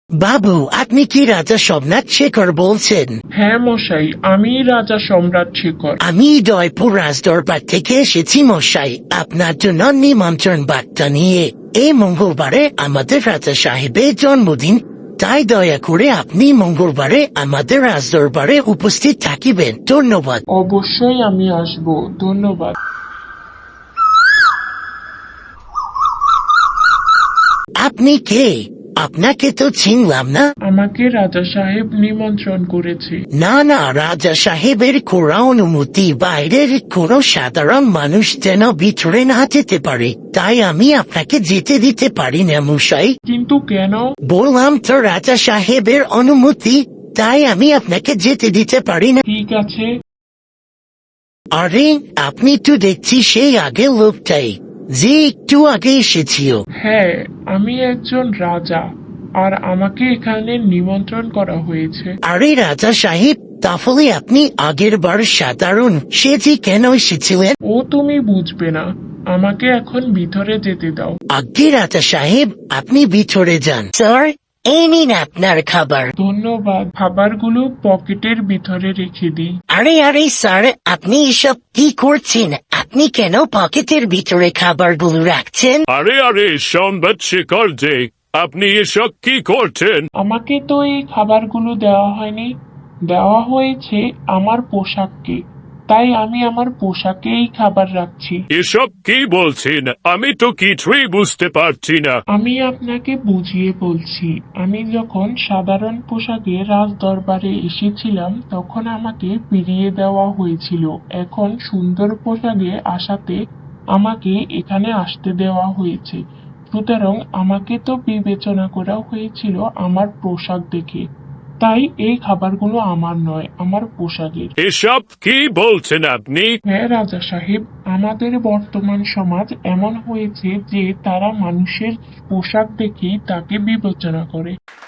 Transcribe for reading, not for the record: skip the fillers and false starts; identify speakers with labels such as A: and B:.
A: বাবু, আপনি কি রাজা সোমনাথ শেখর বলছেন?
B: হ্যাঁ মশাই, আমি রাজা সম্রাট শেখর।
A: আমি জয়পুর রাজদরবার থেকে এসেছি মশাই, আপনার জন্য নিমন্ত্রণ বার্তা নিয়ে। এই মঙ্গলবারে আমাদের রাজা সাহেবের জন্মদিন, তাই দয়া করে আপনি মঙ্গলবারে আমাদের রাজদরবারে উপস্থিত থাকিবেন। ধন্যবাদ।
B: অবশ্যই আমি আসব, ধন্যবাদ।
A: আপনি কে? আপনাকে তো চিনলাম না।
B: আমাকে রাজা সাহেব নিমন্ত্রণ করেছে।
A: না না, রাজা সাহেবের কোরা অনুমতি বাইরের কোনো সাধারণ মানুষ যেন ভিতরে না যেতে পারে, তাই আমি আপনাকে যেতে দিতে পারি না মশাই।
B: কিন্তু কেন?
A: বললাম তো রাজা সাহেবের অনুমতি, তাই আমি আপনাকে যেতে দিতে পারি না।
B: ঠিক আছে।
A: আরে, আপনি তো দেখছি সেই আগের লোকটাই, যে একটু আগে এসেছিল।
B: হ্যাঁ, আমি একজন রাজা, আর আমাকে এখানে নিমন্ত্রণ করা হয়েছে।
A: আরে রাজা সাহেব, তাহলে আপনি আগের বার সাধারণ সেজে কেন এসেছিলেন?
B: ও তুমি বুঝবে না, আমাকে এখন ভিতরে যেতে দাও।
A: আগে রাজা সাহেব, আপনি ভিতরে যান। স্যার, এই নিন আপনার খাবার।
B: ধন্যবাদ। খাবারগুলো পকেটের ভিতরে রেখে দিই।
A: আরে আরে স্যার, আপনি এসব কি করছেন? আপনি কেন পকেটের ভিতরে খাবারগুলো রাখছেন?
C: আরে আরে সম্বাদ শেখর যে, আপনি এসব কি করছেন?
B: আমাকে তো এই খাবারগুলো দেওয়া হয়নি, দেওয়া হয়েছে আমার পোশাককে, তাই আমি আমার পোশাকে এই খাবার রাখছি।
C: এসব কি বলছেন? আমি তো কিছুই বুঝতে পারছি না।
B: আমি আপনাকে বুঝিয়ে বলছি। আমি যখন সাধারণ পোশাকে রাজ দরবারে এসেছিলাম তখন আমাকে ফিরিয়ে দেওয়া হয়েছিল। এখন সুন্দর পোশাকে আসাতে আমাকে এখানে আসতে দেওয়া হয়েছে। সুতরাং আমাকে তো বিবেচনা করা হয়েছিল আমার পোশাক দেখে। তাই এই খাবারগুলো আমার নয়, আমার পোশাকের।
C: এসব কি বলছেন আপনি?
B: হ্যাঁ রাজা সাহেব, আমাদের বর্তমান সমাজ এমন হয়েছে যে তারা মানুষের পোশাক দেখেই তাকে বিবেচনা করে।